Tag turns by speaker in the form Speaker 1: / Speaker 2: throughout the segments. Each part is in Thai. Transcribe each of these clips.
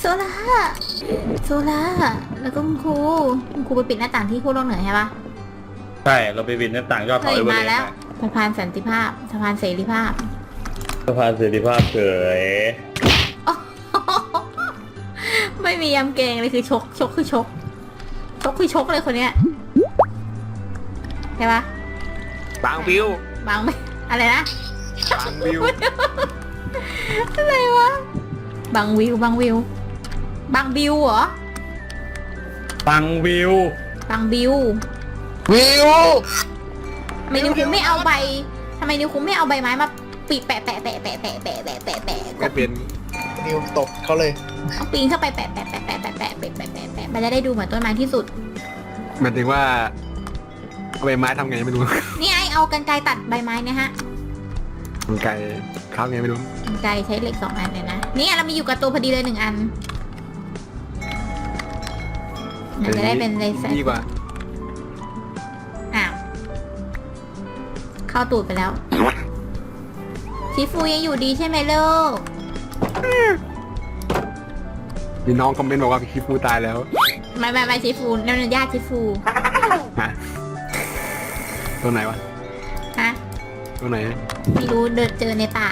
Speaker 1: โซล่าโซล่าแล้วก็คุณครูไปปิดหน้าต่างที่ขั้วโลกเหนือใช่ปะ
Speaker 2: ใช่เราไปบินหน้าต่างยอด
Speaker 1: เค
Speaker 2: เขา
Speaker 1: ย
Speaker 2: เอเวอ
Speaker 1: มา
Speaker 2: เรสต์
Speaker 1: แล้วสะพานสันติภาพสะพานเสรีภาพ
Speaker 2: สะพานเสรีภาพเฉย
Speaker 1: ไม่มียำเกรงเลยคือชกคือชกคือชกเลยคนเนี้ยใช่ปะ
Speaker 3: บางวิว
Speaker 1: บางไม่อะไรนะ
Speaker 3: บางวิว
Speaker 1: อะไรวะบางวิวบางบิวเหรอ
Speaker 2: ปังวิว
Speaker 1: บางบิว
Speaker 3: วิว
Speaker 1: ทำไมนิวคุงไม่เอาใบทำไมนิวคุงไม่เอาใบไม้มาปีแปะก็
Speaker 3: ไม่เป็น
Speaker 4: นิวตบเขาเลย
Speaker 1: เอาปีนเข้าไปแปะมันจะได้ดูเหมือนต้นไม้ที่สุด
Speaker 3: หมายถึงว่าเอาใบไม้ทำไงไม่รู้
Speaker 1: นี่ไอเอากรรไกรตัดใบไม้เนี่ยฮะ
Speaker 3: มันไกลข้าวไงไม่รู้
Speaker 1: กรรไกรใช้เหล็ก2 อันเนี่ยนะเนี่ยเรามีอยู่กับตัวพอดีเลย1 อันมันจะได้เป็นเลเซอร์
Speaker 3: ดีกว่า
Speaker 1: อ้าวเข้าตูดไปแล้วชิฟูยังอยู่ดีใช่ไหมลูก
Speaker 3: มีน้องคอมเมนต์บอกว่าพี่คิฟูตายแล้ว
Speaker 1: ไม่ชิฟูนั่นเป็นญาติชิฟู
Speaker 3: ฮะตัวไหนวะ
Speaker 1: ฮะ
Speaker 3: ตัวไหน
Speaker 1: ไม่รู้เดินเจอในป่า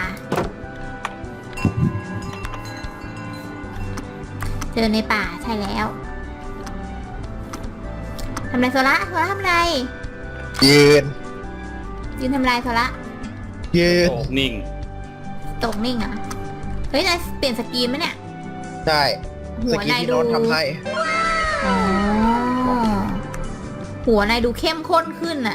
Speaker 1: เจอในป่าใช่แล้วทำไรโซละทำไร
Speaker 4: ยืน
Speaker 1: ยืนทำไรโซละ
Speaker 4: ยืน
Speaker 2: โอ้นิ่ง
Speaker 1: ตกนิ่งเหรอเฮ้ยนายเปลี่ยนสกรีนไหมเนี่ย
Speaker 4: ได้
Speaker 1: หั
Speaker 4: ส
Speaker 1: ว
Speaker 4: กิ
Speaker 1: นาย
Speaker 4: ที่
Speaker 1: ดู
Speaker 4: โน้ตทำให้
Speaker 1: อ๋อหัวนายดูเข้มข้นขึ้นอะ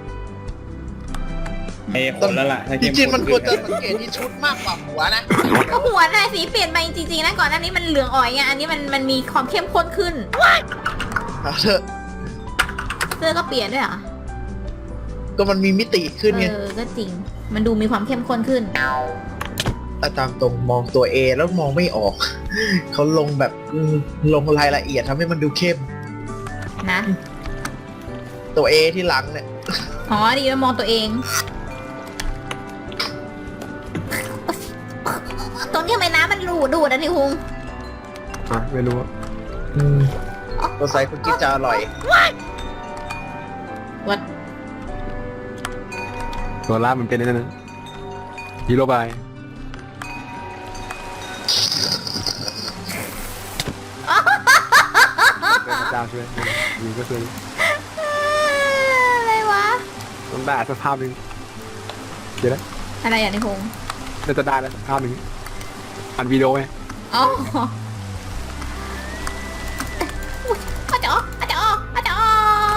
Speaker 2: ไอ้คนแล้วล่ะถ้า
Speaker 4: จ
Speaker 2: เข้
Speaker 4: ริงๆมันควรจะ
Speaker 2: ขึ้
Speaker 4: สังเกตที่ชุดมากกว่าหัวนะ
Speaker 1: ก็หัวนายสีเปลี่ยนไปจริงๆนะก่อนหน้านี้มันเหลืองอ่อยไงอันนี้มันมีความเข้มข้นขึ้น
Speaker 4: เอาเถอะ
Speaker 1: เสื้อก็เปลี่ยนด้วยเหรอ
Speaker 4: ก็มันมีมิติขึ้นไง
Speaker 1: ก็จริง มันดูมีความเข้มข้นขึ้น
Speaker 4: แต่ตามตรงมองตัวเอแล้วมองไม่ออก เขาลงแบบลงรายละเอียดทำให้มันดูเข้ม
Speaker 1: นะ
Speaker 4: ตัวเอที่หลังเนี่ย
Speaker 1: อ๋อดีแล้วมองตัวเอง ตรงนี้ทำไมน้ำมันดูดอ่ะนี่คุง
Speaker 3: อ่ะไม่รู้
Speaker 4: ตัวใส่คุณกิ๊ฟจะอร่อย
Speaker 1: วัด
Speaker 3: ตัวล่ามันเป็นนั่นนะฮีโร่บายเป็นพระเจ้าช่วยมีก็ช่วย
Speaker 1: อะไรวะ
Speaker 3: ต้องได้สักภาพหนึ่งเดี๋ยวนะ
Speaker 1: อะไรอย่างนี้คุง
Speaker 3: น่าจะได้แล้วสักภาพหนึ่งอันวิดีโอไหม
Speaker 1: อ๋ออาจารย์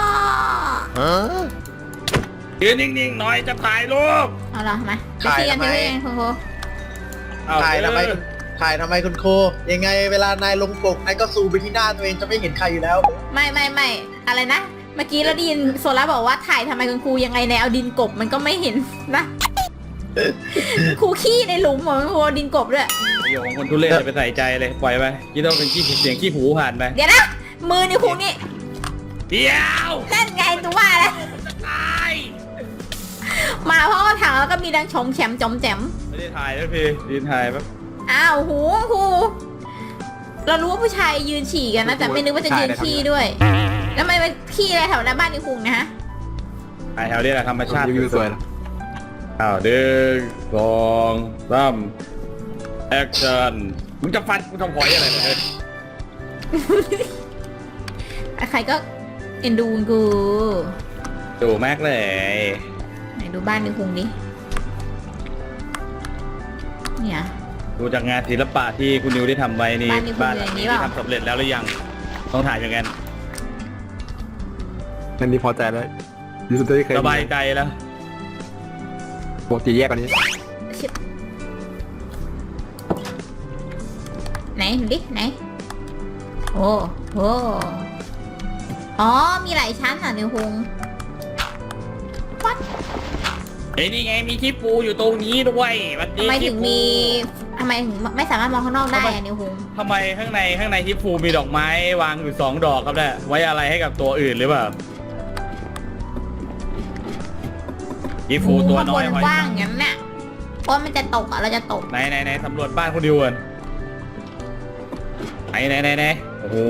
Speaker 2: ยืนนิ่งๆหน่อยจะถ่ายรูป
Speaker 1: เอาล่ะมา
Speaker 4: ถ่าย
Speaker 1: เทียน
Speaker 4: ทำไม
Speaker 1: เทียนคุณครู
Speaker 2: เอา
Speaker 4: ถ่ายทำไม
Speaker 2: เออ
Speaker 4: ถ่ายทำไมคุณโค ยังไงเวลานายลงปกนายก็ซูมไปที่หน้าตัวเองจะไม่เห็นใครอยู่แล้ว
Speaker 1: ไม่อะไรนะ เมื่อกี้เราได้ยินโซล่าบอกว่าถ่ายทำไมคุณครูยังไงในเอาดินกบมันก็ไม่เห็นนะครูขี้ในหลุมเหรอคุณครูเอาดินกบด้วย
Speaker 2: เดี๋ยวของคนทุเรศอย่าไปใส่ใจเลยปล่อยไปคิดว่าเป็นเสียงขี้หูผ่านไป
Speaker 1: เดี๋ยวนะ มือนี่ครูนี่
Speaker 2: เดี๋ยว
Speaker 1: นั่นไงตัวว่าแล้ว
Speaker 2: ตาย
Speaker 1: มาเพราะว่าถังแล้วก็มีดังชมแฉมจอมแจม
Speaker 2: ไม่ได้ถ่ายแล้วพี่ยืนถ่ายแป๊บ
Speaker 1: อ้าวหูครูเรารู้ว่าผู้ชายยืนฉี่กันนะแต่ไม่นึกว่าจะยืนขี้ด้วย แล้วทำไมมันขี้อะไรแถวหน้าบ้านนี่คุงนะฮะ
Speaker 2: ถ่ายแถวนี้แหละธรรมชาติ
Speaker 3: รีวิวสวยแล้ว
Speaker 2: อ้าว1 2 3แอคชั่นมึงจะฟันมึงทำหอยอะไรเนี่ยเฮ้ย
Speaker 1: ใครก็เอ็นดูกู
Speaker 2: ดูแม็กเลย
Speaker 1: ไหนดูบ้านนี่คุงดิเนี่ย
Speaker 2: ดูจากงานศิลปะที่คุณนิวได้ทำไว้นี่
Speaker 1: บ้านนี่คุณ
Speaker 2: หลั
Speaker 1: อย่างนี้
Speaker 2: นี้
Speaker 1: เปล่า
Speaker 2: ทำสำเร็จแล้วหรือยังต้องถ่ายอย่างนั้น
Speaker 3: นั่นนี่พอใจแล้วยูทูบที่เคย
Speaker 2: สบายใจแล้ว
Speaker 3: ปกติแยกกว่านี้
Speaker 1: ชิบไหนดูดิไหนโอ้โหอ๋อมีหลายชั้นอ่ะนิวคุง
Speaker 2: เฮ้ยนี่ไงมีที่ปูอยู่ตรงนี้ด้วยวันนี้
Speaker 1: ทำไมถึง
Speaker 2: ที่ปู
Speaker 1: มีทำไมถึงไม่สามารถมองข้างนอกได้อะนิวคุง
Speaker 2: ทำไมข้างในที่ปูมีดอกไม้วางอยู่2 ดอกครับเนี่ยไว้อะไรให้กับตัวอื่นหรือเปล่าที่ปูตัวน้อย
Speaker 1: ข้างบ
Speaker 2: ไว้
Speaker 1: นกว้างอย่างนั้นน่ะเพราะมันจะตกอ่ะเราจะตก
Speaker 2: ไหนสำรวจบ้านคุณดิวก่อนไหนโอ้โห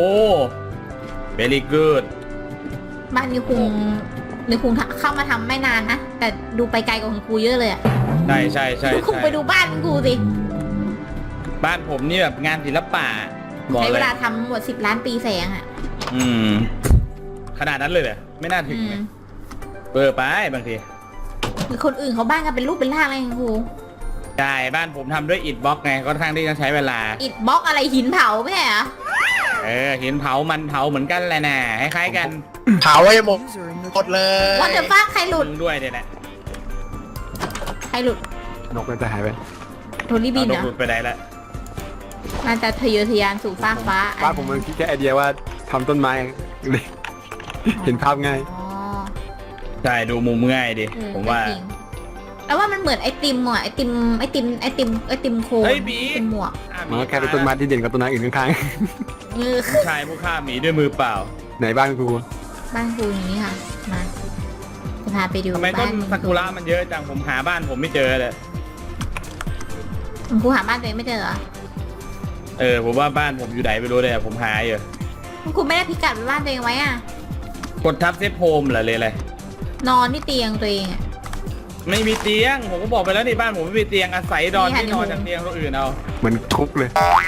Speaker 2: very good
Speaker 1: บ้านนิวคุงเข้ามาทำไม่นานนะแต่ดูไปไกลกว่าคุณครูเยอะเลยอะ
Speaker 2: ใช่
Speaker 1: นิวคุงไปดูบ้านคุณครูสิ
Speaker 2: บ้านผมนี่แบบงานศิลปะบอก
Speaker 1: ใช้
Speaker 2: เล
Speaker 1: เวย ลาทำหมด10 ล้านปีแสงอะ
Speaker 2: ขนาดนั้นเลยเหรอไม่น่าถึงเลยเบอร์ไปบางที
Speaker 1: คือคนอื่นเขาบ้านกันเป็นรูปเป็นร่างอะไรคุณครู
Speaker 2: ใช่บ้านผมทำด้วยอิฐบล็อกไงค่อนข้างที่จะใช้เวลา
Speaker 1: อิฐบล็อกอะไรหินเผาไม่ใช่เหรอ
Speaker 2: หินเผามันเผาเหมือนกันแหละนะคล้ายๆกัน
Speaker 4: เผาไว้หมดเลย
Speaker 1: วันเดอร์ฟ้าใครหลุด
Speaker 2: มึงด้วยเนี่ยแหละ
Speaker 1: ใครหลุด
Speaker 3: นกมันจะหายไป
Speaker 1: โทนี่บิน
Speaker 2: เอา
Speaker 1: เหรอ
Speaker 2: หลุดไปไหนละ
Speaker 1: น่าจะทะเยอทะยานสู่ฟากฟ้า
Speaker 3: บ้านผมมันคิดแค่ไอเดียว่าทำต้นไม้เลยเห็นภาพง่าย
Speaker 1: อ๋อ
Speaker 2: ใช่ดูมุมง่ายดิผมว่า
Speaker 1: จริงแล้วว่ามันเหมือนไอติมอ่ะไอติมโคน
Speaker 2: เฮ้ยบี
Speaker 1: เป็นหมวก
Speaker 3: มันก็แค่เป็นต้นไม้ที่เด่นกับต้นไม้อื่นข้าง
Speaker 1: เออ
Speaker 2: ผู้ชายผู้ฆ่าหมีด้วยมือเปล่า
Speaker 3: ๆไหนบ้านครู
Speaker 1: บ้านครูอย่างนี้ค่ะมาจะพาไปดู
Speaker 2: ทำไมต้
Speaker 1: บ้าน น
Speaker 2: ซากุระมันเยอะจังผมหาบ้านผมไม่เจอเลย
Speaker 1: คุณครูหาบ้านตัวเองไม่เจอเหรอ
Speaker 2: ผมว่าบ้านผมอยู่ไหนไม่รู้เลยผมหาอยู่
Speaker 1: คุณครูไม่ได้พิกัดบ้านตัวเองไว้อ่ะ
Speaker 2: กดทับเซฟโฮมเหรอเลยอะไร
Speaker 1: นอนที่เตียงตัวเองอ่ะ
Speaker 2: ไม่มีเตียงผมก็บอกไปแล้วนี่บ้านผมไม่มีเตียงอาศัยนอน
Speaker 1: นี่ค่ะ
Speaker 2: ที่นอนจากเตียงคนอื่นเอา
Speaker 3: เหมือนคุกเลย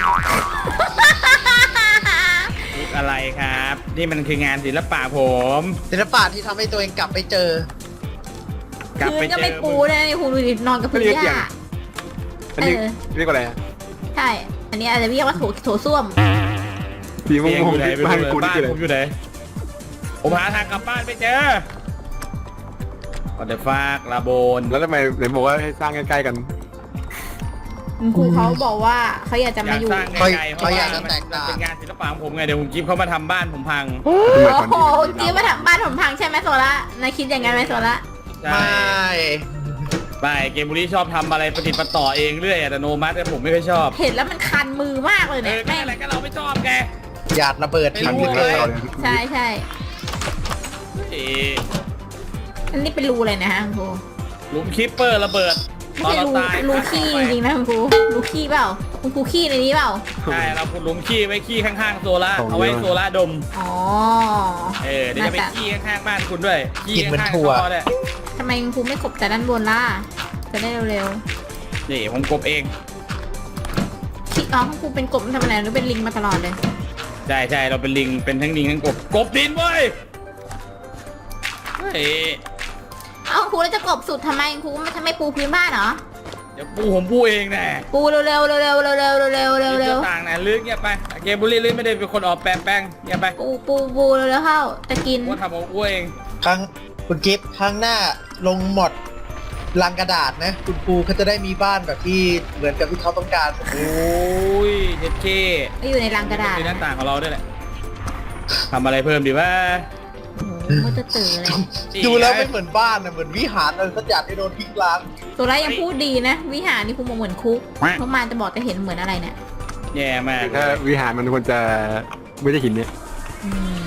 Speaker 2: คุกอะไรครับนี่มันคืองานศิลปะผม
Speaker 4: ศิลปะที่ทำให้ตัวเองกลับไปเจอ
Speaker 2: กลับ
Speaker 1: พื้
Speaker 2: ไป
Speaker 1: นก็
Speaker 2: เจ
Speaker 1: ไม่
Speaker 2: อ
Speaker 1: ปูเลยคุณดูดินอนกับพื้น
Speaker 3: ไม่เรียก
Speaker 1: ห
Speaker 3: เตียง
Speaker 1: ญ้า
Speaker 3: อันนี้
Speaker 1: เออ
Speaker 3: เรียกว่าอะไรอะ
Speaker 1: ใช่ อันนี้อาจจะเรียกว่าโถส้วม
Speaker 3: สีม่
Speaker 2: เตียง
Speaker 3: ว
Speaker 2: อง ยู่ไหนไม่
Speaker 3: ๆบ้าน
Speaker 2: รู้
Speaker 3: กู
Speaker 2: เลย
Speaker 3: นี่
Speaker 2: บ้าน
Speaker 3: คืออะไร
Speaker 2: ผมอยู่ไหนผมหาทางกลับบ้านไม่เจอก็เดฟากลาโบน
Speaker 3: แล้วทำไมไหนบอกว่าให้สร้างใกล้ๆกัน
Speaker 1: คุณครูเขาบอกว่าเขาอยากจะ
Speaker 2: อ
Speaker 1: มาย
Speaker 2: าก
Speaker 1: อยู่
Speaker 2: สร้างไกลๆเพ
Speaker 4: เขา
Speaker 2: ราะ
Speaker 4: อยา
Speaker 2: ว่าก
Speaker 4: จะ
Speaker 2: มัน
Speaker 4: แตกต่าง
Speaker 2: เป็นงานศิลปะของผมไงเดี๋ยวผมกิ๊บเขามาทำบ้านผมพัง
Speaker 1: โอ้โหจีมาถามบ้านผมพังใช่ไหมโซล่านายคิดอย่างนั้นไหมโซล่า
Speaker 2: ใช่
Speaker 4: ไม่
Speaker 2: ไม่เกมบุรีชอบทำอะไรประติดประต่อเองเรื่อยอัตโนมัติแต่ผมไม่ค่อยชอบ
Speaker 1: เห็นแล้วมันคันมือมากเลย
Speaker 2: เอ
Speaker 1: เนี่ย
Speaker 2: อ
Speaker 1: แม่ง
Speaker 2: อะไรก็เราไม่ชอบแก
Speaker 4: หยาดระเบิดทิ้ง
Speaker 2: ไม่รู้
Speaker 4: ไปเลย
Speaker 1: ใช่ใช่
Speaker 2: เอ๊ะ
Speaker 1: อันนี้เป็นรูเลยนะฮะคุณครู
Speaker 2: หลุมคิปเปอร์ระเบิด
Speaker 1: ไม่ใช่รูขี้จริงๆนะคุณครูรูขี้เปล่าคุณครูขี้ในนี้เปล่า
Speaker 2: ใช่เราขุดหลุมขี้ไว้ขี้ข้างๆโซล่าเอาไว้โซล่าดม
Speaker 1: อ๋อ
Speaker 2: เดี๋ยวจะไปขี้ข้างๆบ้านคุณด้วยขี้ข้างๆท่อเนี่ย
Speaker 1: ทำไมคุณครูไม่กบแต่ด้านบนล่ะจะได้เร็ว
Speaker 2: นี่ผมกบเอง
Speaker 1: ๆขี้อ๋อคุณครูเป็นกบทำอะไรหรือเป็นลิงมาตลอดเลย
Speaker 2: ใช่เราเป็นลิงเป็นทั้งลิงทั้งกบดินเว้ยเฮ้ย
Speaker 1: เอ้าครูแล้วจะกบสุดทำไมครูไม่ปูพื้นบ้านเหรอ
Speaker 2: เดี๋ยวปูผมปูเองแน่
Speaker 1: ปูเร็วๆเร็วๆเร็วๆเร็วๆเร็วๆเร็วๆเร็ว
Speaker 2: ต่างนะลึกเงียบไปเกมบุรีลึกไม่ได้เป็นคนออกแปลงเงียบไป
Speaker 1: ๆปูเร็วๆเข้าจะกิน
Speaker 2: ว่าทำเอาอ้วยเอง
Speaker 4: ครั้งคุณกิฟต์ครั้งหน้าลงหมดลังกระดาษนะ คุณปูเขาจะได้มีบ้านแบบที่เหมือนกับที่เขาต้องการ
Speaker 2: โอ้ยเจ็ดเค
Speaker 1: ไม่อยู่ในรังกระดาษ
Speaker 2: มีหน้าต่างของเราด้วยแหละทำอะไรเพิ่มดีว่า
Speaker 1: โอ้โหมันจะตื่นเลย
Speaker 4: ดูแล้วไม่เหมือนบ้านนะเหมือนวิหารอะไรสักอย่างที่โดนทิ้งร้าง
Speaker 1: ตัวร้ายยังพูดดีนะ วิหารนี่ครูมองเหมือนคุกเพราะมันจะบอกจะเห็นเหมือนอะไรเนี่ย
Speaker 2: แย่มาก
Speaker 3: ถ้าวิหารมันควรจะไม่ได้หินเนี่ย
Speaker 1: อืม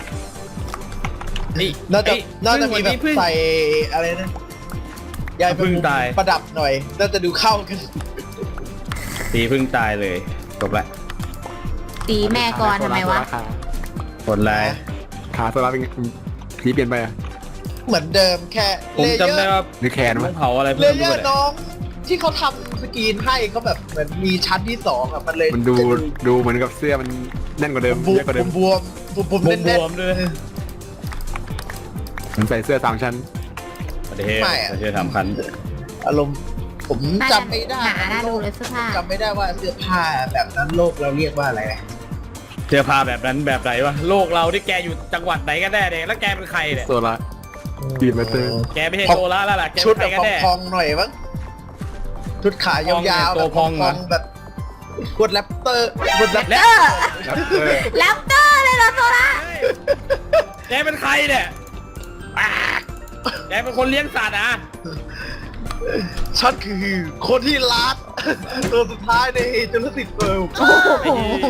Speaker 2: นี่
Speaker 4: น่าจะ
Speaker 2: เอ้ย
Speaker 4: น่าจะมีแบบ
Speaker 2: พึ่ง
Speaker 4: ใส่อะไรนะยายเป็น
Speaker 2: พึ่งตาย
Speaker 4: ประดับหน่อย น่าจะดูเข้ากัน
Speaker 2: ตีพึ่งตายเลยจบละ
Speaker 1: ตีแม่ก่อนทำไมวะ
Speaker 2: ผลไร
Speaker 3: ขาโซล่าเป็นไงสีเปลี่ยนไปอะ
Speaker 4: เหมือนเดิมแค่
Speaker 2: ผมจำได้ว่า
Speaker 3: หรือแขน
Speaker 2: ต้
Speaker 3: วะ
Speaker 2: องเผาอะไร
Speaker 4: เล
Speaker 2: เพิ่ม
Speaker 4: เย
Speaker 2: ด้
Speaker 4: อ
Speaker 2: วย
Speaker 4: ร์น้องที่เขาทำสกรีนให้เขาแบบเหมือนมีชั้นที่สองอะมันเลย
Speaker 3: มันดูเหมือนกับเสื้อมันแน่นกว่าเดิม
Speaker 4: บว
Speaker 3: เยอะกว่าเดิ
Speaker 4: ม
Speaker 3: ม
Speaker 4: บวมบวม
Speaker 2: บ
Speaker 4: แน่น
Speaker 2: วมๆด้วย
Speaker 3: มันใส่เสื้อ3 ชั้น
Speaker 2: ประเทศประเทศทำคัน
Speaker 4: ๆอารมณ์ผม
Speaker 1: น่า
Speaker 4: จำ
Speaker 1: จะ
Speaker 4: ไม่ได้
Speaker 1: หนาน่าดูเลยเสื้อผ้า
Speaker 4: จำไม่ได้ว่าเสื้อผ้าแบบนั้นโลกเราเรียกว่าอะไรนะ
Speaker 2: เสื้อผ้าแบบนั้นแบบไหนวะโลกเราที่แกอยู่จังหวัดไหนกันแน่เนี่ยแล้วแกเป็นใครเนี่ย
Speaker 3: โซล่า ปีนมาเตอร์
Speaker 2: แกไม่ใช่โซล่าแล้วล่ะแก
Speaker 4: ชุด
Speaker 2: เป็น
Speaker 4: แบ
Speaker 2: ใคร
Speaker 4: บ
Speaker 2: กันแน่
Speaker 4: พองๆหน่อยมั้งชุดขายาวๆ
Speaker 2: ตัว
Speaker 4: แบบ
Speaker 2: พองเหรอ
Speaker 4: แบบกดแรปเตอร์กดแรป
Speaker 2: แล้ว
Speaker 3: แล้วเออ
Speaker 1: แรปเตอร์เลยเหรอโซล่า
Speaker 2: แกเป็นใครเนี่ยอ่าแกเป็นคนเลี้ยงสัตว์อ่ะ
Speaker 4: ฉันคือคนที่รักตัวสุดท้ายในจุลศิษย์เวิลด์
Speaker 1: โอ้โห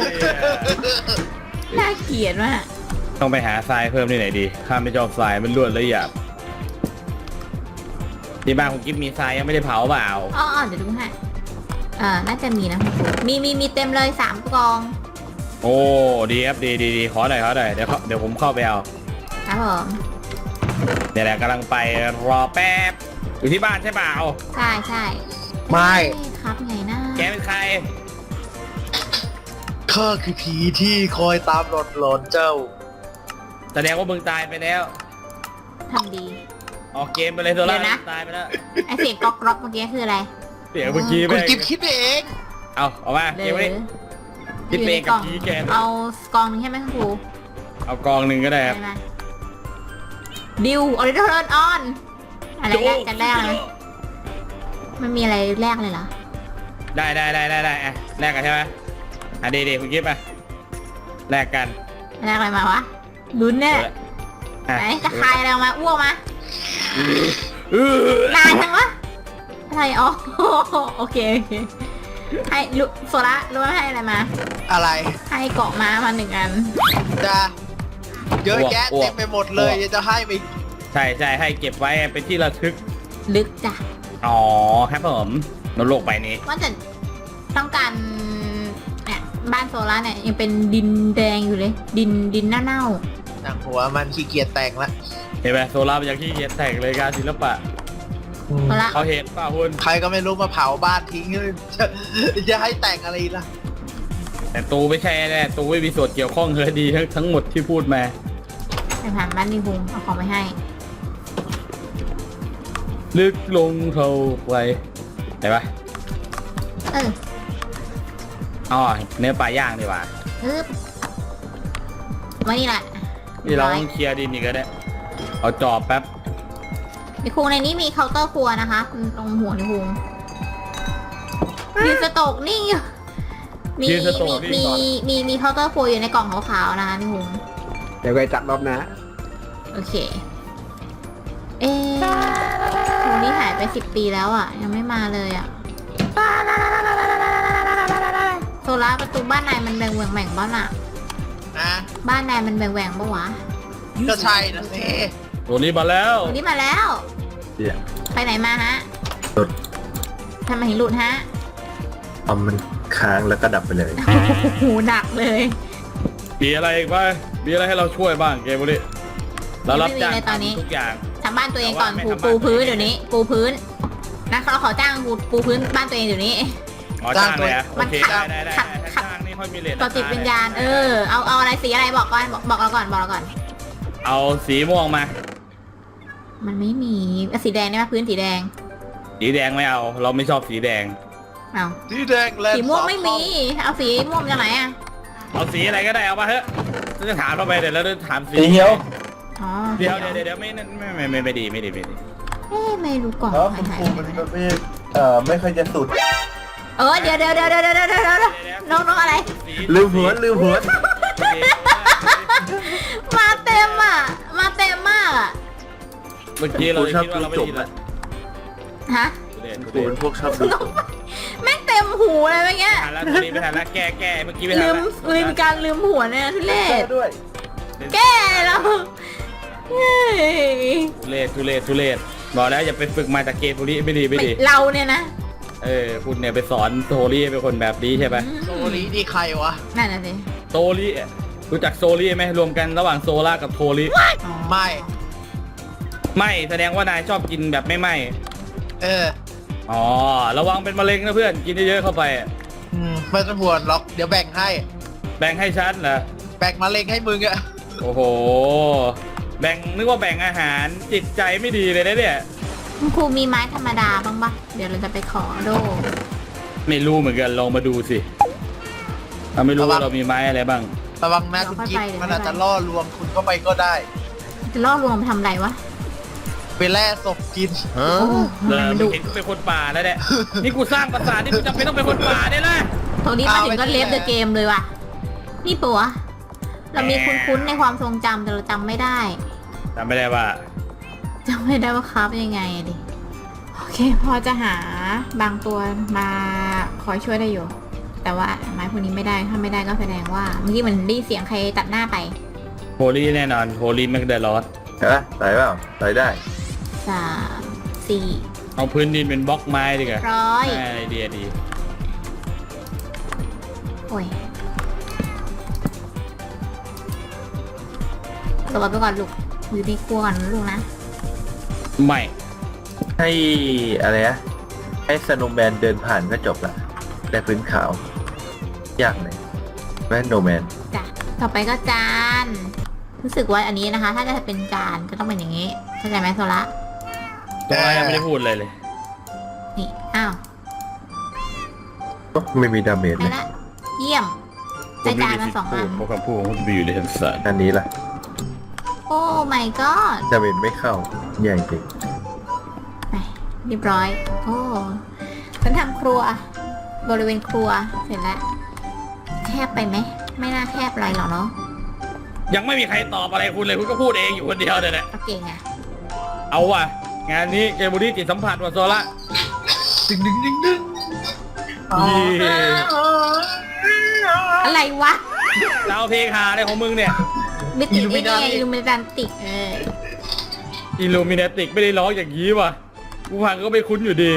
Speaker 1: น่าเกลียดมาก
Speaker 2: ต้องไปหาทรายเพิ่มที่ไหนดีข้าไม่ชอบทรายมันรวดและหยาบที่บ้านของกิ๊บมีทรายยังไม่ได้เผาเปล่า
Speaker 1: อ๋อเดี๋ยวดูให้น่าจะมีนะคุณครูมีเต็มเลย3 กอง
Speaker 2: โอ้ดีครับดีขอหน่อยเดี๋ยวผมเข้าไปเอา
Speaker 1: ครับผม
Speaker 2: เดี๋ยวแหละกำลังไปรอแป๊บอยู่ที่บ้านใช่เปล่า
Speaker 1: ใช่ใช่
Speaker 4: ไม่
Speaker 1: เอ้ยครับไงนะ
Speaker 2: แกเป็นใคร
Speaker 4: ข้าคือผีที่คอยตามหลอนเจ้า
Speaker 2: แสดงว่ามึงตายไปแล้ว
Speaker 1: ทำดี
Speaker 2: ออกเกมไปเลยโซล่า
Speaker 1: เดี๋ยวนะ
Speaker 2: ตายไปแล้ว
Speaker 1: ไอเสียงก๊อกก๊อกเมื่อกี้คืออะไร
Speaker 2: เดี๋ยวเมื่อกี้
Speaker 4: คุณ
Speaker 2: แม่ง
Speaker 4: กิฟคิดไปเอง
Speaker 2: เอามาเกมไว้คิด
Speaker 1: อยู่
Speaker 2: เอ
Speaker 1: ใน
Speaker 2: ง
Speaker 1: ก
Speaker 2: กับ
Speaker 1: ล่อง
Speaker 2: ผีแกน
Speaker 1: เอากล่องหนึงใช่ไหมคุณครู
Speaker 2: เอากองหนึ่งก็ได้ครับ
Speaker 1: ได้ไหมดิวออริจินอลออนอะไรแรกกันแรกเลยไม่มีอะไรแรกเลยเหรอ
Speaker 2: ได้อ่ะแลกกันใช่ไหมอ่ะดีคุณกิฟต์ไปแลกกัน
Speaker 1: แรกอะไรมาวะลุ้นเนี่ย
Speaker 2: อ่ะ
Speaker 1: ไหนจะคายอะไรออกมาอ้วกมา
Speaker 2: อื้อน
Speaker 1: านจังวะอะไรอ๋อโอเคให้โซล่ารู้ไหมให้อะไรมา
Speaker 4: อะไร
Speaker 1: ให้เกาะม้ามา1 อัน
Speaker 4: จะเยอะแยะเต็มไปหมดเลยยังจะให้ไป
Speaker 2: ใช่ให้เก็บไว้เป็นที่ระทึก
Speaker 1: ลึกจ้ะ
Speaker 2: อ๋อครับผมนโลกใบนี้
Speaker 1: ว่าจะต้องการเนี่ยบ้านโซล่าเนี่ยยังเป็นดินแดงอยู่เลย ดินเน่า
Speaker 4: หนังหัวมันขี้เกียจแต่งละ
Speaker 2: เห็นไหมโซล่าเป็นอย่างที่เขียนแต่งเลยการศิลปะ
Speaker 1: ๆโซล่า
Speaker 2: เขาเห็นป่ะคุณ
Speaker 4: ใครก็ไม่รู้มาเผาบ้านทิ้งจะให้แต่งอะไรล่ะ
Speaker 2: แต่ตูไม่ใช่แน่ตูไม่มีส่วนเกี่ยวข้องเลยดีทั้งหมดที่พูดมา
Speaker 1: ไปผ่านบ้านดีบุงเอาของไปให้
Speaker 2: ลึกลงเท่าไหรเห็นปะ
Speaker 1: เออ
Speaker 2: อ๋อเนื้อปลาย่างดีกว่า
Speaker 1: ฮึบมานี่แหละ
Speaker 2: นี่เรา
Speaker 1: ร้อย
Speaker 2: ต้องเคลียร์ดินอีกแล้วเนี่ยเอาจอบแป๊บ
Speaker 1: ในครูในนี้มีเคาน์เตอร์ครัวนะคะตรงหัวในครูยืนสโตกนิ่งอยู่มีมีเคาน์เตอร์ครัวอยู่ในกล่องขาวๆนะคะในครู
Speaker 3: เดี๋ยวไปจัดรอบนะ
Speaker 1: โอเค เอ๊ะครูนี่หายไป10 ปีแล้วอ่ะ ยังไม่มาเลยอ่ะโซล่าประตูบ้านนายมันแบ่งบ้านอ่ะ
Speaker 4: นะ
Speaker 1: บ้านนายมันแบ่งปะวะ
Speaker 4: ก็ใช่นะสิ
Speaker 2: ตัวนี้มาแล้ว
Speaker 1: วันนี้มาแล้ว
Speaker 3: เดี๋ยว
Speaker 1: ไปไหนมาฮะ
Speaker 5: หลุด
Speaker 1: ทำไมถึงหลุดฮะ
Speaker 5: เอามันค้างแล้วก็ดับไปเลย
Speaker 1: หูหนักเลย
Speaker 2: มีอะไรอีกบ้างมีอะไรให้เราช่วยบ้างเกมบุรีเรารับจ้าง
Speaker 1: ไม่มีเลยตอนนี้
Speaker 2: ทำทุกอย่าง
Speaker 1: ทำบ้านตัวเองก่อน
Speaker 2: แต่
Speaker 1: ครู
Speaker 2: ว่าไม่ทำ
Speaker 1: ปูพื้น
Speaker 2: บ้านตัวเอง
Speaker 1: เดี๋ยวนี้ ปูพื้นนะเราขอจ้างครูปูพื้นบ้านตัวเองเดี๋ยวนี้
Speaker 2: อ๋อจ้างเลยอะ
Speaker 1: มั
Speaker 2: โอน เค
Speaker 1: ขัด
Speaker 2: ได้
Speaker 1: ขัด
Speaker 2: ถ้า
Speaker 1: ขัด
Speaker 2: จ้างนี่ค่อยมีเลท
Speaker 1: ต่อจิตวิญญาณ เอาอะไรสีอะไรบอกก่อนบอกเราก่อน
Speaker 2: เอาสีม่วงมา
Speaker 1: มันไม่มีสีแดงได้ไหมพื้นสีแดง
Speaker 2: สีแดงไม่เอา เราไม่ชอบสีแดง
Speaker 1: เอา
Speaker 4: ที่แดงแลนด์
Speaker 1: สีม่วงไม่มี
Speaker 4: 2
Speaker 1: เอาสีม่วงจากไหนอ่ะ
Speaker 2: เอาสีอะไรก็ได้เอามาเถอะจะถามเราไปเดี๋ยวเราจะถามสี
Speaker 5: สีเขียว
Speaker 1: อ๋อ
Speaker 2: เดี๋ยวไม่ดี
Speaker 1: เอ๊ะไม่รู้กล่อง
Speaker 5: แล้ว
Speaker 1: หา
Speaker 5: คุณ
Speaker 1: ย
Speaker 5: ครูมันก็ไม่ค่อยจะสุด
Speaker 1: เดี๋ยวน้องอะไร
Speaker 5: ลืมหัวลืมหัว
Speaker 1: มาเต็มอ่ะ มาเต็มมากอ่ะ
Speaker 2: เมื่อกี้เราคิดว่าเราไม่ดีแล้ว
Speaker 1: ฮะ
Speaker 5: ครูเป็นพวกชอบดูจบ
Speaker 1: แม่งเต็มหูเลยเมื่อกี้
Speaker 2: ทันแล้วตัวนี้ไม่ทันแล้วแก้เมื่อกี้ไม่ทัน
Speaker 1: ลื
Speaker 2: แล้ว
Speaker 1: มการลืมหัวเนี่ยทุเรศ
Speaker 5: ด้วย
Speaker 1: แก้แล้วเฮ้ย
Speaker 2: ทุเรศบอกแล้วอย่าไปฝึกมาจากเกมบุรีไม่ดี
Speaker 1: เราเนี่ยนะ
Speaker 2: คุณเนี่ยไปสอนโซลี่เป็นคนแบบนี้ใช่ไหม
Speaker 4: โซลีนี่ใครวะ
Speaker 1: นั่นน่ะสิ
Speaker 2: โซลี่รู้จักโซลี่ไหมรวมกันระหว่างโซล่ากับโทลี่
Speaker 1: อ๋อ
Speaker 4: ไม่
Speaker 2: ไม่แสดงว่านายชอบกินแบบไม่ไหมอ๋อระวังเป็นมะเร็งนะเพื่อนกินเยอะๆเข้าไป
Speaker 4: ไม่ต้องห่วงหรอกเดี๋ยวแบ่งให้
Speaker 2: แบ่งให้ฉันเหรอ
Speaker 4: แบ่งมะเร็งให้มึงอะ
Speaker 2: โอ้โหนึกว่าแบ่งอาหารจิตใจไม่ดีเลยนะเนี่ย
Speaker 1: คุณครูมีไม้ธรรมดาบ้างปะเดี๋ยวเราจะไปขอโด
Speaker 2: ไม่รู้เหมือนกันลองมาดูสิเราไม่รู้ว่าเรามีไม้อะไรบ้าง
Speaker 4: ระวังนะคุณกิ๊ฟมันอาจจะล่อลวงคุณเข้าไปก็ได้
Speaker 1: จะล่อลวงไปทำอะไรวะ
Speaker 4: ไปแล่ศพกิน
Speaker 1: โอ้
Speaker 2: เออ
Speaker 1: มัน
Speaker 2: มึ
Speaker 1: ดุ
Speaker 2: งเห็นกูเป็นคนป่าแล้วเนี่ยนี่กูสร้างปราสาทนี่กูจำเป็นต้องเป็นคนป่าเนี่ยนะ
Speaker 1: ตรงนี้มาถึงก็เลฟเดอะเกมเลยว่ะ นี่ปะวะเรามีคุ้นๆในความทรงจำแต่เราจำไม่ได้
Speaker 2: จำไม่ได้ว่า
Speaker 1: จำไม่ได้ว่าครับยังไงอะดิ โอเค พอจะหาบางตัวมาคอยช่วยได้อยู่ แต่ว่าไม้พวกนี้ไม่ได้ ถ้าไม่ได้ก็แสดงว่าเมื่อกี้มันได้ยินเสียงใครตัดหน้าไป
Speaker 2: โฮลี่แน่นอนโฮลี่แมกเดลอส
Speaker 5: ใช่ไหมใส่เปล่าใส่ได้
Speaker 1: 3 4
Speaker 2: เอาพื้นดินเป็นบล็อกไม้ดีกว่า
Speaker 1: ร้อย
Speaker 2: ไอเดียดี
Speaker 1: โอ้ยหลบไปก่อนลูกอยู่ในครัวก่อนนะลูกนะ
Speaker 2: ไม่
Speaker 5: ให้อะไรนะให้สโนว์แมนเดินผ่านก็จบละได้พื้นขาวยากเลยแม่โนแมน
Speaker 1: จ้ะต่อไปก็จานรู้สึกว่าอันนี้นะคะ ถ้าจะเป็นจานจะต้องเป็นอย่างนี้เข้าใจไหมโซละ
Speaker 2: ตัวยังไม่ได้พูดเลยเลย
Speaker 1: นี่อ้าว
Speaker 5: ไม่มีดาเมจ
Speaker 1: ได้
Speaker 5: เลย
Speaker 1: ละเยี่ยมได้จานมา2 อัน
Speaker 2: เพราะคำพูดของคุณบีอยู่ในทันสาร
Speaker 5: อันนี้ล่ะ
Speaker 1: โอ้ my god
Speaker 5: ดาเมจไม่เข้าใหญ่จริง
Speaker 1: ไปเรียบร้อย โอ้ฉันทำครัว บริเวณครัวเสร็จแล้ว แคบไปไหม ไม่น่าแคบอะไรหรอกเนาะ
Speaker 2: ยังไม่มีใครตอบอะไรคุณเลยคุณก็พูดเองอยู่คนเดียวเนี่ยแหละ
Speaker 1: ก็เก่งอะ
Speaker 2: เอาว่ะงานนี้เกมบุรีจิตสัมผัสว่ะโซละ
Speaker 4: ดึงดึงดึงดึง
Speaker 1: อะไรวะ
Speaker 2: ดาวเพลงหาอะไรของมึงเนี่ย
Speaker 1: มิติไอ้เนี่ยอิลูมินันติก
Speaker 2: อิลูมินาติกไม่ได้ร้องอย่างนี้ว่ะกูฟังก็ไม่คุ้นอยู่ดี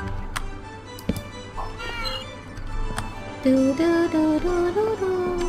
Speaker 1: ดูดูดูดูดูดู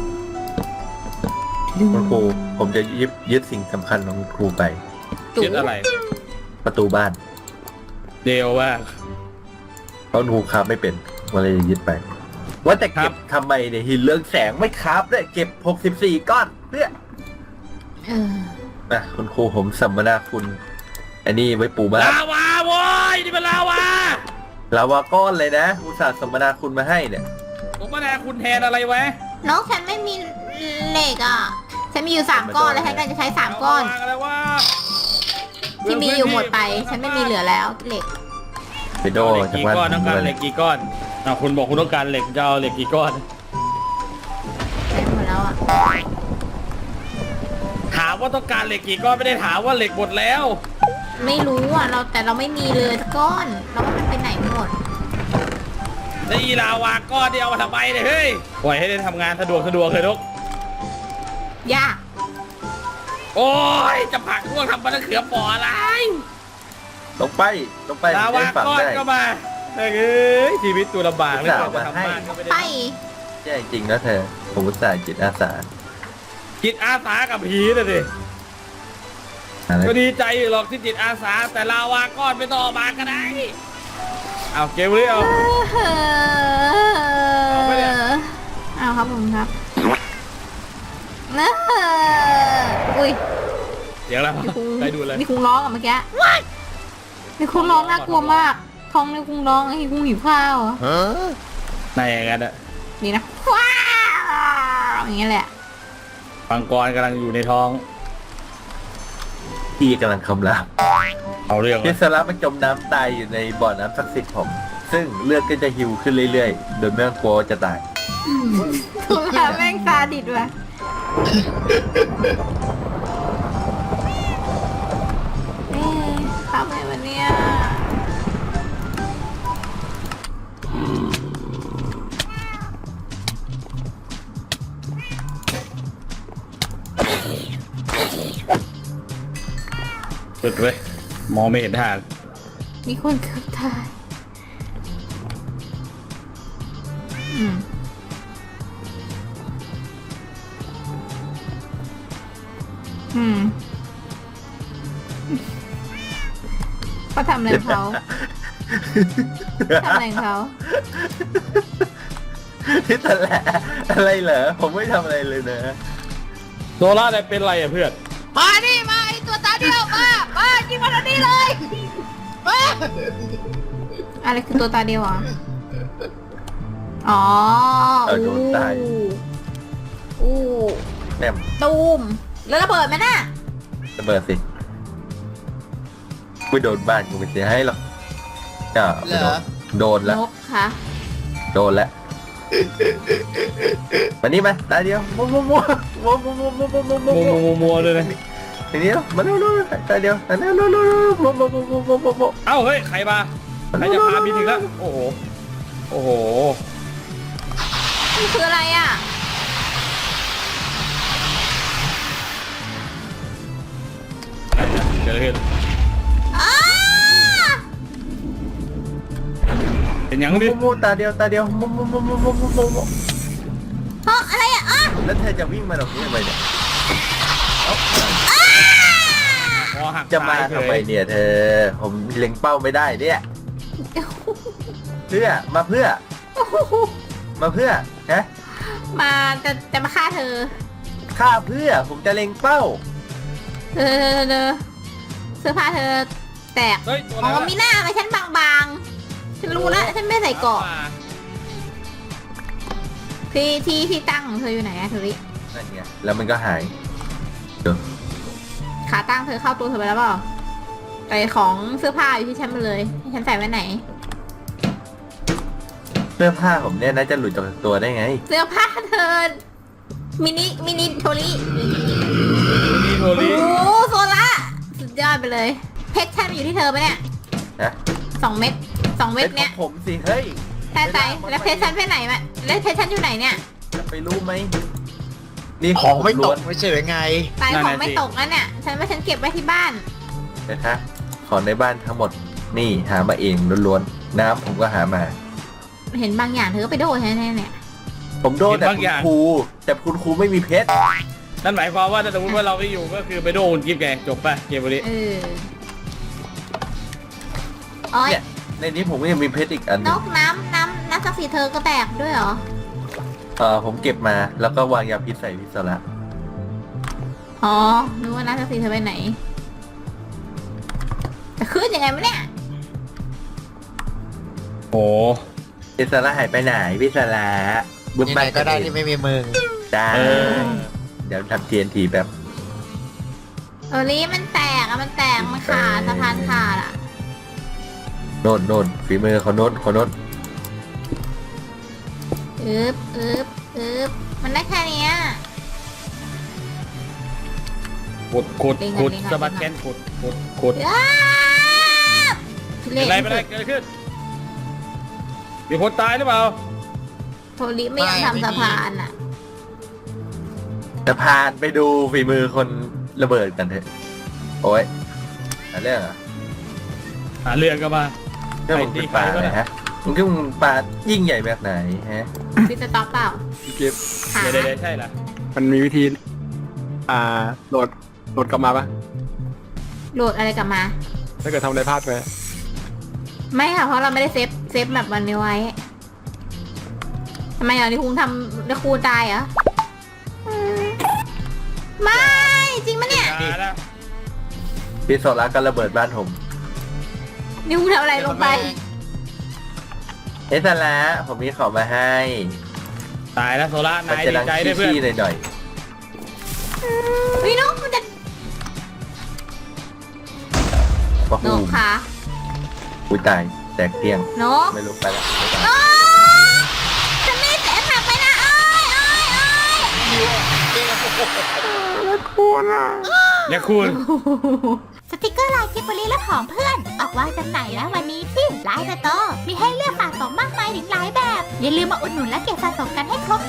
Speaker 5: คุณครูผมจะยึดสิ่งสำคัญของคุณครูไป
Speaker 2: คิดอะไร
Speaker 5: ประตูบ้าน
Speaker 2: เดวว่า
Speaker 5: เพราะครูคราฟไม่เป็นมาเลยยึดไป ว่าแต่เก็บทำไมเนี่ยหินเรืองแสงไม่คราฟเนี่ยเก็บ64ก้อนเนี่ย
Speaker 1: เออ
Speaker 5: นะคุณครูผมสัมมนาคุณอันนี้ไว้ปูบ้าน
Speaker 2: ลาวาโว้ยนี่เป็นลาวา
Speaker 5: ลาวาก้อนเลยนะอุตส่าห์สัมมนาคุณมาให้เนี่ย
Speaker 2: ผมมาแทนคุณแทนอะไรไว้
Speaker 1: น้องฉันไม่มีเหล็กอ่ะ ฉันมีอยู่3 ก้อนแล้วฉันก็จะใช้3 ก้อน
Speaker 2: เาวางอะไรวะ
Speaker 1: ที่มีอยู่หมดไป ฉันไม่มีเหลือแล้วเหล็ก
Speaker 5: ไปโด
Speaker 2: เหล็ก
Speaker 5: จาก
Speaker 2: กี่
Speaker 5: บ้าน
Speaker 2: ก้อนต้องการ
Speaker 5: ผม
Speaker 2: เหล็กกี่ก้อนคุณบอกคุณต้องการเหล็กจะเอาเหล็กกี่ก้อน
Speaker 1: ใช้หมดแล้วอ่ะ
Speaker 2: ถามว่าต้องการเหล็กกี่ก้อนไม่ได้ถามว่าเหล็กหมดแล้ว
Speaker 1: ไม่รู้อ่ะแต่เราไม่มีเลยสักก้อนเราว่ามันไปไหนหมด
Speaker 2: แล้วอีลาวาก้อนที่เอามาทำไมเนี่ยเฮ้ยปล่อยให้ได้ทำงานสะดวกเลยลูก
Speaker 1: ยาก
Speaker 2: โอ้ยจะผลักพวกทำมันะเขือปออะไร
Speaker 5: ลงไป
Speaker 2: ลาวา
Speaker 5: ได้ฝัง
Speaker 2: ก้อน
Speaker 5: ได้
Speaker 2: ก็มาเฮ้ยชีวิตตัวลำบากเลย
Speaker 5: อุตส่าห์
Speaker 2: จะ
Speaker 5: มาให้
Speaker 2: ทำบ้านก็ไม่
Speaker 1: ไป
Speaker 2: ได้
Speaker 5: ใช่จริงนะเธอผมอุตส่าห์จิตอาสา
Speaker 2: จิตอาสากับผีน่ะดิ
Speaker 5: อะไร
Speaker 2: ก็ดีใจอยู่หรอกที่จิตอาสาแต่ลาวาก้อนไม่ต้องเอามาก็ได้เอาเกมเลยเอา เอาไปเนี่ย
Speaker 1: เอาครับผมครับอุ้ย
Speaker 2: เดี๋ยวแล้ว
Speaker 1: มีคุง
Speaker 2: ไปดูเลย
Speaker 1: มีคุงร้องอ่ะเมื่อกี้มีคุงร้องน่ากลัวมากท้องในคุงร้องไอ้คุงหิวข้าวอ่ะ
Speaker 2: ในอย่างนั้นอะ
Speaker 1: นี่นะว้าวอย่างเงี้ยแหละ
Speaker 2: ปังกรกำลังอยู่ในท้อง
Speaker 5: ที่กำลังคำราม
Speaker 2: เอาเรื่อง
Speaker 5: พิสระมันจมน้ำตายอยู่ในบ่อน้ำศักดิ์สิทธิ์ผม ซึ่งเลือดก็จะหิวขึ้นเรื่อยๆ โดยไม่ต้องกลัวว่าจะตาย
Speaker 1: คุงหาแม่งซาดิสว่ะเอ๊ะทำไงวะเนี่ย
Speaker 2: สุดเลยมองไม่เห็นทาง
Speaker 1: มีคนเกือบตายอืมเขาทำอะไรของเขาทำอะไรของเขา
Speaker 5: ที่ตะแหละอะไรเหรอ ผมไม่ทำอะไรเลยนะ
Speaker 2: โซล่าเนี่ยเป็นไรอะเพื่อน
Speaker 1: มาดิมาไอตัวตาเดียวมายิงมาทางนี้เลยมาอะไรคือตัวตาเดียวอ่ะอ๋อ
Speaker 5: เอาโดนตาย
Speaker 1: อู้
Speaker 5: แม่ม
Speaker 1: ตูมแล้วระเบิดไหมน่ะ
Speaker 5: ระเบิดสิไม่โดนบ้านกูไม่เสียให้หรอกจ้าไม่โดนโดนแล้ว
Speaker 1: นกคะ
Speaker 5: โดนแล้วมานี่มาตาเดียวมัวมัวมัวมัวมัวมัวมัวมัวมัวมัว
Speaker 2: มัวเลยนะ
Speaker 5: ทีนี้มาดูดูตาเดียวตาเดียวดูดูดูมัวมัวมัวมัวมัวมัวมัว
Speaker 2: เอ้าเฮ้ยใครมาใครจะพาบินถึงแล้วโอ้โหโอ้โห
Speaker 1: มันคืออะไรอ่ะ
Speaker 2: เกิดอะไรขึ้น
Speaker 1: อ้า
Speaker 2: เป็นยัง
Speaker 5: มัว
Speaker 2: ดิ
Speaker 5: มัวตาเดียวตาเดียวมัวมัวมัวมัวมัวมัวมัว
Speaker 1: เพราะอะไรอ่ะอ่ะ
Speaker 5: แล้วเธอจะวิ่งมาตรงนี้ทำไมเนี่ย
Speaker 2: คอหัก
Speaker 5: จะมา
Speaker 2: ตยเฉ
Speaker 5: ทำไม
Speaker 2: ย
Speaker 5: เนี่ยเธอ ผมเล็งเป้าไม่ได้เนี่ยเพื่อมาเพื่อฮะ
Speaker 1: มาจะมาฆ่าเธอ
Speaker 5: ฆ่าเพื่อผมจะเล็งเป้า
Speaker 1: เธอเสื้อผ้าเธอแตก
Speaker 2: เฮ้ยตัว
Speaker 1: อ๋
Speaker 2: อะไร
Speaker 1: อ
Speaker 2: วะ
Speaker 1: มีหน้าไปฉันบางๆ ฉันรู้แล้วฉันไม่ใส่เกราะที่ตั้งของเธออยู่ไหนอะเธอริ
Speaker 5: นั่นไงแล้วมันก็หาย
Speaker 1: ขาตั้งเธอเข้าตัวเธอไปแล้วเปล่าแต่ของเสื้อผ้าอยู่ที่ฉันหมดเลยให้ฉันใส่ไว้ไหน
Speaker 5: เสื้อผ้าผมเนี่ยน่าจะหลุดจากตัวได้ไง
Speaker 1: เสื้อผ้าเธอมินิโทริ
Speaker 2: นี่โท
Speaker 1: โอ้
Speaker 2: ริ
Speaker 1: โหโซล่าสุดยอดไปเลย เพชรฉันอยู่ที่เธอปะเนี่ย
Speaker 5: นะ
Speaker 1: 2 เม็ดเนี้ย
Speaker 5: ป็ของผมสิเฮ้ย
Speaker 1: ใช่ใจแล้วเพชรฉันไปไหนมาแล้วเพชรฉันอยู่ไหนเนี่ย
Speaker 5: จะไปรู้ไหมนี่
Speaker 4: ของไม่ต
Speaker 5: ล้
Speaker 4: ก
Speaker 5: วน
Speaker 4: ไม่ใช่หรือไง
Speaker 1: ตายของไม่ตกนั่นเนี่ยฉันว่าฉันเก็บไว้ที่บ้าน
Speaker 5: นะคะของในบ้านทั้งหมดนี่หามาเองล้วนๆน้ำผมก็หามา
Speaker 1: เห็นบางอย่างเธอก็ไปโดนแน่ๆเนี่ย
Speaker 5: ผมโดนแต่คุณครูแต่คุณครูไม่มีเพชร
Speaker 2: นั่นหมายความว่าถ้าสมมติว่าเราไม่อยู่ก็คือไปโดนกิฟต์ไงจบป่ะเกมนี้
Speaker 1: โอ้ย
Speaker 5: เนี่ยในนี้ผมก็ยังมีเพชรอีกอันห
Speaker 1: น
Speaker 5: นึง
Speaker 1: กน้ำศักดิ์สิทธิ์เธอก็แตกด้วยเหรอ
Speaker 5: ผมเก็บมาแล้วก็วางยาพิษใส่พิษละ
Speaker 1: อ๋อนึกว่าน้ำศักดิ์สิทธิ์เธอไปไหนจะขึ้นยังไงวะเนี่ย
Speaker 2: โอ้
Speaker 5: พิษละหายไปไหนพิษละบึ้ม
Speaker 4: ยัง
Speaker 5: ไป
Speaker 4: ไงก็ได้ที่ไม่มีมึง
Speaker 5: ได้
Speaker 2: เออ
Speaker 5: เดี๋ยวทำ TNT แบบ
Speaker 1: นี้มันแตกอะมันแตกมันขาดสะพานขาดอะ
Speaker 5: โน่นฝีมือเขาโน่น
Speaker 1: อึบมันได้แค่เนี้ย
Speaker 2: ขุด
Speaker 1: ลิง
Speaker 2: ขุด
Speaker 1: ลิง
Speaker 2: สบัดแกนขุด
Speaker 1: อ้าทุ
Speaker 2: เป็นไร
Speaker 1: เล่
Speaker 2: ไม่ได้เกิดขึ้นมีคนตายหรือเปล่า
Speaker 1: โทริไม่ยอมทำสะพานอะ
Speaker 5: จะพานไปดูฝีมือคนระเบิดกันเถอะโอ้ยอะไรเรื่องอ่ะ
Speaker 2: หาเรื่องก็มา
Speaker 5: เรื่องมึงเป็นปลาอะไรฮะมึงคิดว่ามึงปลายิ่งใหญ่แบบไหนฮะ
Speaker 1: พิสต็อปเปล่า
Speaker 3: เก็บ
Speaker 1: ขา
Speaker 2: เดี๋ยวใช่เหรอ
Speaker 3: มันมีวิธี โหลดกลับมาปะ
Speaker 1: โหลดอะไรกลับมา
Speaker 3: ถ้าเกิดทำอะไรพลาดไป
Speaker 1: ไม่ค่ะเพราะเราไม่ได้เซฟแบบวันนี้ไว้ทำไมอ่ะนี่คุณทำแล้วครูตายเหรออืมไม่จริงปะเนี่ย
Speaker 2: อย่านะ
Speaker 5: พี่โซล่าก็ระเบิดบ้านผม
Speaker 1: นี่คุณทำอะไรลงไป
Speaker 5: เอสละผมมีของมาให้
Speaker 2: ตายแล้วโซล่า
Speaker 5: มัน
Speaker 2: นาย
Speaker 5: จะ
Speaker 2: ดี
Speaker 5: ดัง
Speaker 2: ใจด้วยเพื่อน
Speaker 5: ขี้ๆหน่อย
Speaker 1: วินกมันจะ
Speaker 5: ๆว่า
Speaker 1: น
Speaker 5: หู
Speaker 1: กค่ะ
Speaker 5: อุ้ยตายแตกเกลี้ยง
Speaker 1: นก
Speaker 5: ไม่รู้ไปแล้ว
Speaker 1: อ้าจะไม่เสียผักไปนะเอ้ย
Speaker 2: เนี่ยคุณ
Speaker 6: สติกเกอร์ลายกิบบลีและของเพื่อน ออกวางจำหน่ายแล้ววันนี้ที่ไลน์สโตร์มีให้เลือกสะสมมากมายถึงหลายแบบ อย่าลืมมาอุดหนุนและเก็บสะสมกันให้ครบ